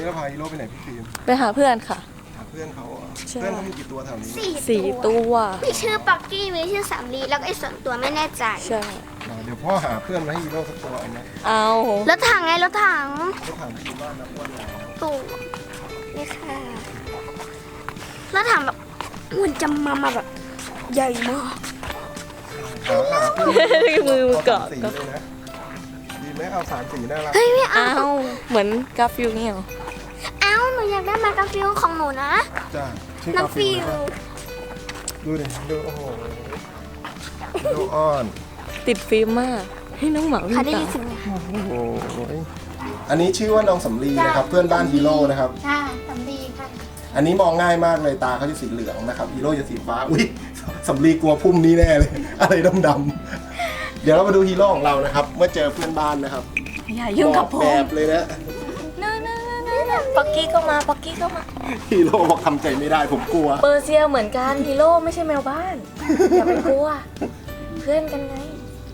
นี้เราพาฮีโร่ไปไหนพี่ฟิล์มไปหาเพื่อนค่ะหาเพื่อนเขาอ่ะใช่เพื่อนเขามีกี่ตัวแถวนี้สี่ตัวมีชื่อปักกี้มีชื่อสำลีแล้วก็ไอ้ส่วนตัวไม่แน่ใจใช่เดี๋ยวพ่อหาเพื่อนมาให้ฮีโร่สักตัวเอาไหมเอารถถังไงรถถังก็ถามที่บ้านนะอ้วนแล้วตู่นี่ค่ะรถถังแบบมันจะมาแบบใหญ่มากหาเพื่อนมือเกาะสีเลยนะดีไหมเอา3 สีน่ารักเฮ้ยไม่เอาเอาเหมือนกาฟิลนี่เหรอเอาหนูอยากได้มากาฟิลของหนูนะจ้าชื่อน้องกาฟิฟิลลนะดูดิดูโอ้โหดูอ้อนติดฟิล์มมากให้น้องหมาวิ่งค่ะได้ตายิมนเสียงไหมโอ้โหอันนี้ชื่อว่าน้องสำลีนะครับเพื่อนบ้านฮีโร่นะครับค่ะสำลีค่ะอันนี้มองง่ายมากเลยตาเขาจะสีเหลืองนะครับฮีโร่จะสีฟ้าอุ้ยสำลีกลัวพุ่มนี้แน่เลย อะไรดำๆเดี๋ยวเรามาดูฮีโร่ของเรานะครับ เมื่อเจอเพื่อนบ้านนะครับอย่ายุ่งกับผแบมบเลยนะปักกี้ก็มาปักกี้ก็มาฮีโร่บอกทำใจไม่ได้ผมกลัวเปอร์เซียเหมือนกันฮีโร่ไม่ใช่แมวบ้าน อย่าไปกลัว เพื่อนกันไง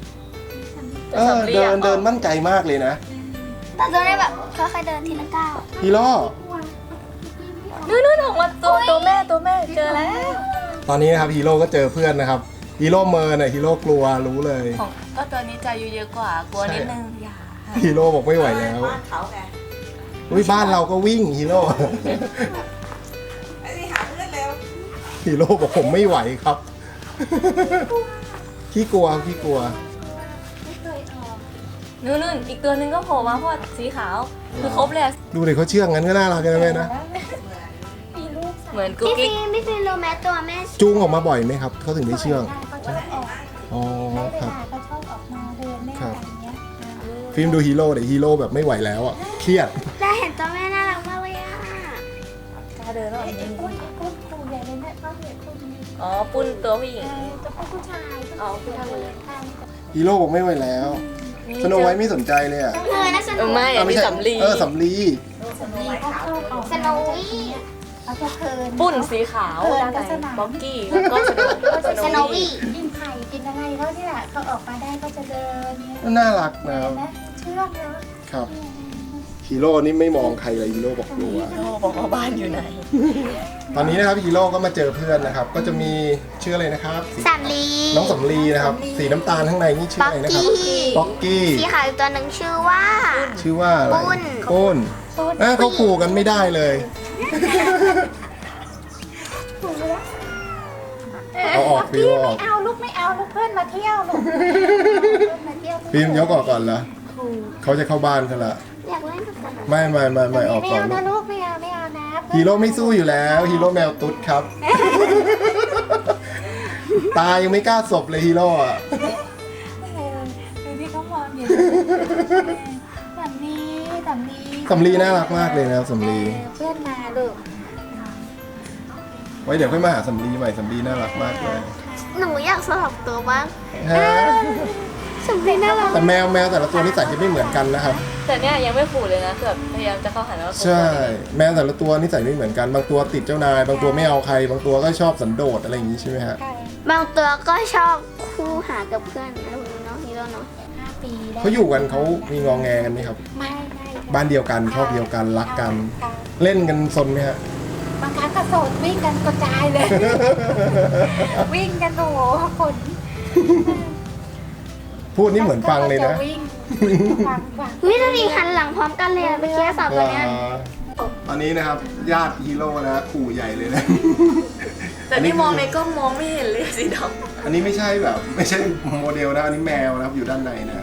เดินมั่นใจมากเลยนะแต่ตัวนี้แบบค่อยๆเดินทีละก้าวฮีโร่นู่นออกมาตัวแม่เจอแล้วตอนนี้นะครับฮีโร่ก็เจอเพื่อนนะครับฮีโร่เมินฮีโร่กลัวรู้เลยของก็ตัวนี้ใจเยอะกว่ากลัวนิดนึงอย่าฮีโร่บอกไม่ไหวแล้วเขาไงอุ้ยบ้านเราก็วิ่งฮีโร่ไอ้นี่หาเพื่อนเร็วฮีโร่บอกผมไม่ไหวครับ ขี้กลัวนู่นอีกตัวหนึงก็โผล่มาเพราะว่าสีขาว คือครบเลยอะดูเด็กเขาเชื่องงั้นก็น่ารักกันนะแม่นะเหมือนกุ๊กพี่กิ๊กฟิล์มพี่ฟิล์มรู้ไหมตัวแม่จูงออกมาบ่อยไหมครับเขาถึงได้เชื่องเขาชอบออกอ๋อครับเขาชอบออกมาเดินเล่นอะไรอย่างเงี้ยฟิล์มดูฮีโร่เดี๋ยวฮีโร่แบบไม่ไหวแล้วอ่ะเครียดได้เห็นตัวแม่น่ารักมากเลยอ่ะกล้าเดินแล้วไอ้ปุ้นปูใหญ่เลยนะเขาเห็นปุ้นอ๋อปุ้นตัวผู้หญิงจะปุ้นผู้ชายอ๋อผู้ชายหมดเลยฮีโร่บอกไม่ไหวแล้วสโนไวท์ไม่สนใจเลยอ่ะน่าสนุกไม่อันนี้สำลีสำลีเขาชอบออกสโนวี่เขาจะเพลินปุ้นสีขาวด้านในบ็อกกี้แล้วก็สโนวี่กินไข่กินอะไรเขาเนี่ยเขาออกมาได้ก็จะเดินเนี่ยน่ารักนะครับนะเชื่องนะครับฮีโร่นี่ไม่มองใครเลยฮีโร่บอกกลัวโอ้บอกว่าบ้านอยู่ไหนตอนนี้นะครับฮีโร่ก็มาเจอเพื่อนนะครับ ก็จะมีชื่ออะไรนะครับสำลีน้องสำลีนะครับ สีน้ำตาลข้างในนี่ชื่อปักอะไรนะครับกี้ป๊อกกี้สีขาวอีกตัวหนึ่งชื่อว่าชื่อว่าอะไรปุ้นปุ้นเขาขู่กันไม่ได้เลย เอาออกฟิวออกไม่เอาลูกไม่เอาลูกเพื่อนมาเที่ยวลูกมาเที่ยวฟิล์มยกออกก่อนเหรอเขาจะเข้าบ้านกันละอยากเล่นกับสำลีไม่ออกไม่ก่อนเอานะลูกไม่เอานะฮีโร่ไม่สู้อยู่แล้วฮีโร่แมวตุ๊ดครับ ตายยังไม่กล้าศพเลยฮีโร่อะดูที่เขามองอยู่สำลีสำลีน่ารักมากเลยนะครับสำลีเพื่อนมาลูกไว้เดี๋ยวค่อยมาหาสำลีใหม่สำลีน่ารักมากเลยหนูอยากสลับตัวบ้างฮะสำลีน่ารักแต่แมวแต่ละตัวนิสัยจะไม่เหมือนกันนะครับแต่เนี้ยยังไม่ขู่เลยนะคือแบบพยายามจะเข้าหาแล้วใช่ แมวแต่ละตัวนิสัยไม่เหมือนกัน บางตัวติดเจ้านาย บางตัวไม่เอาใคร บางตัวก็ชอบสันโดษอะไรอย่างนี้ใช่ไหมฮะบางตัวก็ชอบคู่หากับเพื่อนนะคุณน้องฮีโร่เนาะ 5 ปีแล้วเขาอยู่กันเขามีงองแงกันไหมครับไม่บ้านเดียวกันชอบเดียวกันรักกัน เล่นกันซนไหมฮะบางครั้งก็โสดวิ่งกันกระจายเลย วิ่งกันโอ้โหคนพูดนี่เหมือนฟังเลยนะวิ่งฟังวิธีดีหันหลังพร้อมกันเลยอะเมื่อกี้สาวตัวเนี้ยตอนนี้นะครับญาติฮีโร่นะขู่ใหญ่เลยนะแต่นี่มองในกล้องมองไม่เห็นเลยสีดอันนี้ไม่ใช่แบบ ไม่ใช่โมเดลนะอันนี้แมวนะครับอยู่ด้านในนะ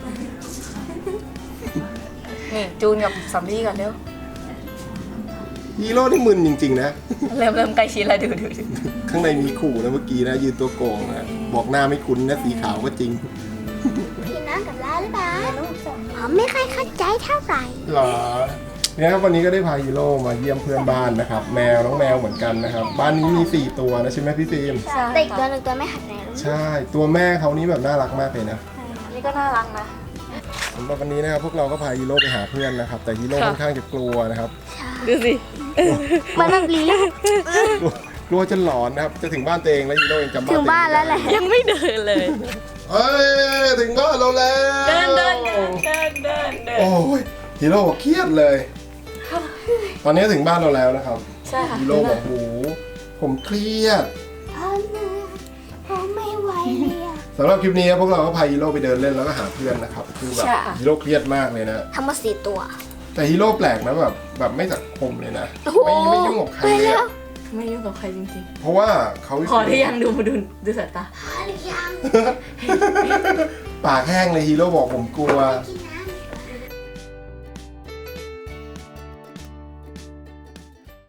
ำนี่จูนกับสำลีก่อนเร็วฮีโร่นี่มึนจริงๆนะเริ่มใกล้ชิดแล้วดูข้างในมีขู่นะเมื่อกี้นะยืนตัวโกงนะบอกหน้าไม่คุ้นนะสีขาวก็จริงพี่น้องกับลาหรือเปล่าผมไม่ค่อยเข้าใจเท่าไหร่หรอเนี่ยครับวันนี้ก็ได้พาฮีโร่มาเยี่ยมเพื่อนบ้านนะครับ แมวน้องแมวเหมือนกันนะครับ บ้านนี้มี4ตัวนะใช่ไหมพี่ฟิล์มแต่อีกตัวหนึ่งตัวไม่หัดไหนรู้ใช่ตัวแม่เขานี่แบบน่ารักมากเลยนะนี่ก็น่ารักนะสำหรับวันนี้นะครับพวกเราก็พาฮีโร่ไปหาเพื่อนนะครับ แต่ฮีโร่ค่อนข้างจะกลัวนะครับดูสิมันแบบนี้กลัวจนหลอนนะครับจะถึงบ้านตัวเองแล้วฮีโร่ยังจำบ้านถึงบ้านแล้วแหละยังไม่เดินเลยเอ้ยถึงบ้านเราแล้วเดินโอ้ยฮีโร่เครียดเลยตอนนี้ถึงบ้านเราแล้วนะครับใช่ค่ะฮีโร่บอกโอ้โหผมเครียดพ่อเหนื่อยพ่อไม่ไหวเลยอะสำหรับคลิปนี้พวกเราก็พาฮีโร่ไปเดินเล่นแล้วก็หาเพื่อนนะครับคือแบบฮีโร่เครียดมากเลยนะทำมา4 ตัวแต่ฮีโร่แปลกนะแบบไม่สังคมเลยนะโอ้โหไม่ยุ่งกับใครเลยอะไม่ยุ่งกับใครจริงเพราะว่าเขาๆ พอที่ยังดูสายตาพอหรือยังปากแห้งเลยฮีโร่บอกผมกลัวกิน